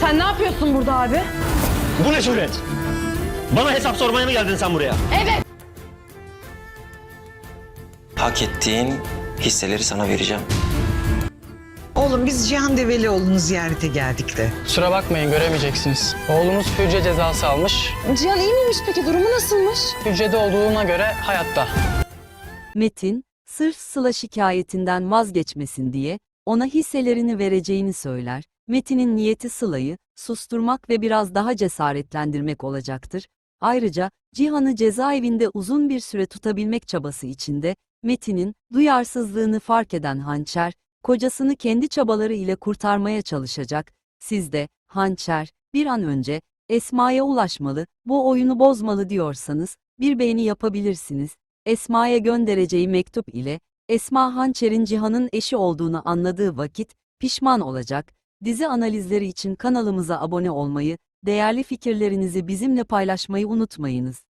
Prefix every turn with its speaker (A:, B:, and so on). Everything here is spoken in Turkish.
A: Sen ne yapıyorsun burada abi?
B: Bu ne cüret? Bana hesap sormaya mı geldin sen buraya?
A: Evet.
C: Hak ettiğin hisseleri sana vereceğim.
D: Oğlum biz Cihan Develioğlu'nu ziyarete geldik de.
E: Kusura bakmayın göremeyeceksiniz. Oğlunuz hücre cezası almış.
A: Cihan iyi miymiş peki? Durumu nasılmış?
E: Hücrede olduğuna göre hayatta.
F: Metin, sırf Sıla şikayetinden vazgeçmesin diye ona hisselerini vereceğini söyler. Metin'in niyeti Sıla'yı susturmak ve biraz daha cesaretlendirmek olacaktır. Ayrıca Cihan'ı cezaevinde uzun bir süre tutabilmek çabası içinde Metin'in duyarsızlığını fark eden Hançer, kocasını kendi çabaları ile kurtarmaya çalışacak. Siz de, Hançer, bir an önce Esma'ya ulaşmalı, bu oyunu bozmalı diyorsanız bir beğeni yapabilirsiniz. Esma'ya göndereceği mektup ile Esma Hançer'in Cihan'ın eşi olduğunu anladığı vakit pişman olacak. Dizi analizleri için kanalımıza abone olmayı, değerli fikirlerinizi bizimle paylaşmayı unutmayınız.